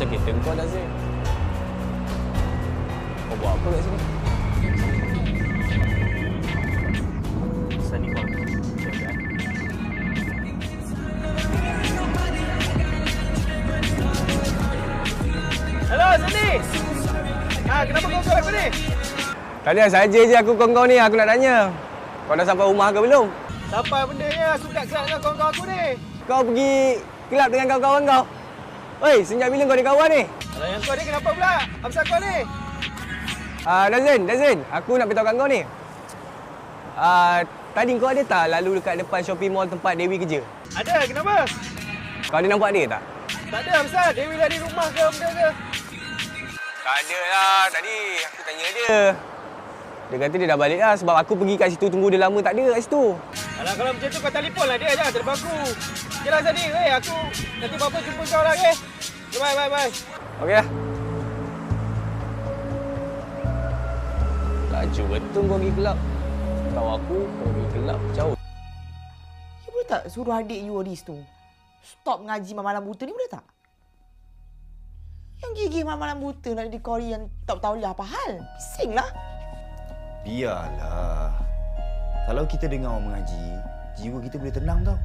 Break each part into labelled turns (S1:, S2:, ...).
S1: pasal kereta kau dah, Zain. Kau buat apa kat sini? Sani kau.
S2: Hello, Sani. Kenapa kau call aku ni?
S1: Tak ada, saja je aku kau ni. Aku nak tanya. Kau dah sampai rumah ke belum?
S2: Sampai bendanya aku tak kelab dengan kawan-kawan aku ni.
S1: Kau pergi kelab dengan kawan-kawan kau. Oi, sejak bila kau ada kawan ni?
S2: Kalau yang kau ni kenapa pula? Apa pasal kau ni?
S1: Dazin, aku nak beritahu kat kau ni. Tadi kau ada tak lalu dekat depan shopping mall tempat Dewi kerja?
S2: Ada, kenapa?
S1: Kau ada nampak dia tak?
S2: Tak ada, Hamzah. Dewi dah di rumah ke benda ke?
S1: Tak ada lah, tadi aku tanya dia. Dia kata dia dah balik lah sebab aku pergi kat situ tunggu dia lama tak ada kat situ.
S2: Alah, kalau macam tu kau telefon lah dia, jangan terlepas aku. Okeylah, Sani. Aku nanti apa-apa jumpa kau lah, okey? Bye.
S1: Okey lah. Laju betul kau pergi kelab. Tahu aku, kau pergi kelab jauh.
S3: You boleh tak suruh adik you Aris tu stop ngaji malam buta ni, boleh tak? Yang gigi malam buta nak jadi kori yang tak tahu lah apa hal. Bising lah.
S4: Biarlah. Kalau kita dengar orang mengaji, jiwa kita boleh tenang tau.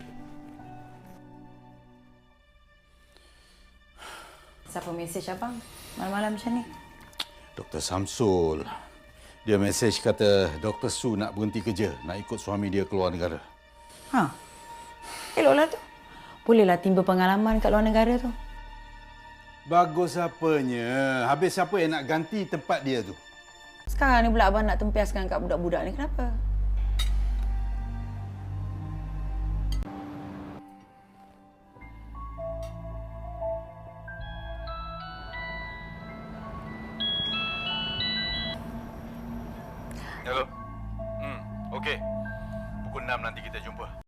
S5: Siapa mesej abang malam-malam macam ni?
S6: Dr. Samsul. Dia mesej kata Dr. Su nak berhenti kerja, nak ikut suami dia keluar negara.
S5: Ha. Eloklah tu. Bolehlah timba pengalaman kat luar negara tu.
S6: Bagus apanya? Habis siapa yang nak ganti tempat dia tu?
S5: Sekarang ni pula abang nak tempiaskan kat budak-budak ni, kenapa?
S6: Hello. Okey. Pukul 6 nanti kita jumpa.